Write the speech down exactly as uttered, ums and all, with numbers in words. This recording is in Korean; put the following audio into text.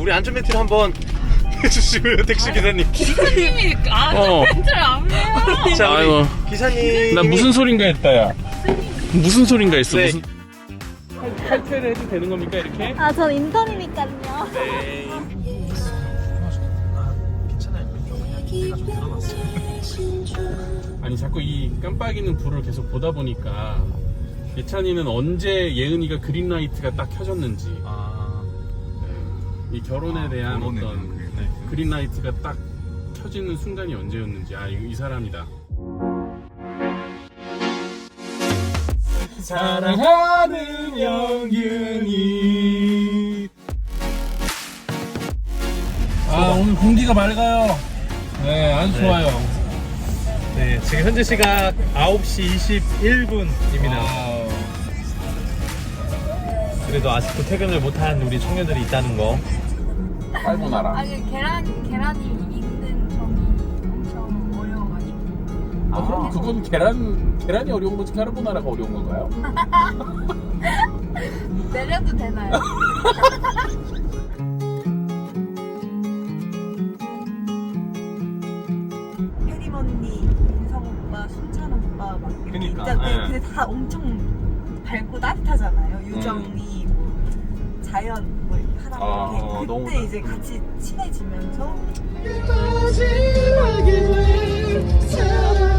우리 안전벨트를 한번 해주시고요, 택시 기사님. 기사님이 아, 어. 멘트를 안 해요. 자, 우리 아이고. 기사님. 나 무슨 소린가 했다, 야. 무슨 소린가 했어, 네. 무슨. 탈퇴를 해도 되는 겁니까, 이렇게? 아, 전 인턴이니까요. 네. 아니, 자꾸 이 깜빡이는 불을 계속 보다 보니까 예찬이는 언제 예은이가 그린라이트가 딱 켜졌는지, 아, 이 결혼에 대한 결혼에 어떤 대한 그린라이트. 그린라이트가 딱 켜지는 순간이 언제였는지. 아, 이, 이 사람이다. 사랑하는 영균이. 아, 오늘 공기가 맑아요. 네, 아주 좋아요. 네, 지금 현재 시각 아홉 시 이십일 분입니다. 와우. 그래도 아직도 퇴근을 못한 우리 청년들이 있다는 거. 깔보나라. 아니 계란 계란이 익는 점이 엄청 어려워가지고. 아, 그럼 그건 계란 계란이 어려운 거지 까르보나라가 어려운 건가요? 내려도 되나요? 혜림 언니, 인성 오빠, 순찬 오빠 막 이렇게 그니까, 있잖아요. 예. 근데 다 엄청 밝고 따뜻하잖아요. 유정이, 뭐 자연 뭐 이렇게 하다 아, 보니 어, 너무 그때 이제 같이 친해지면서 마지막에 왜 사랑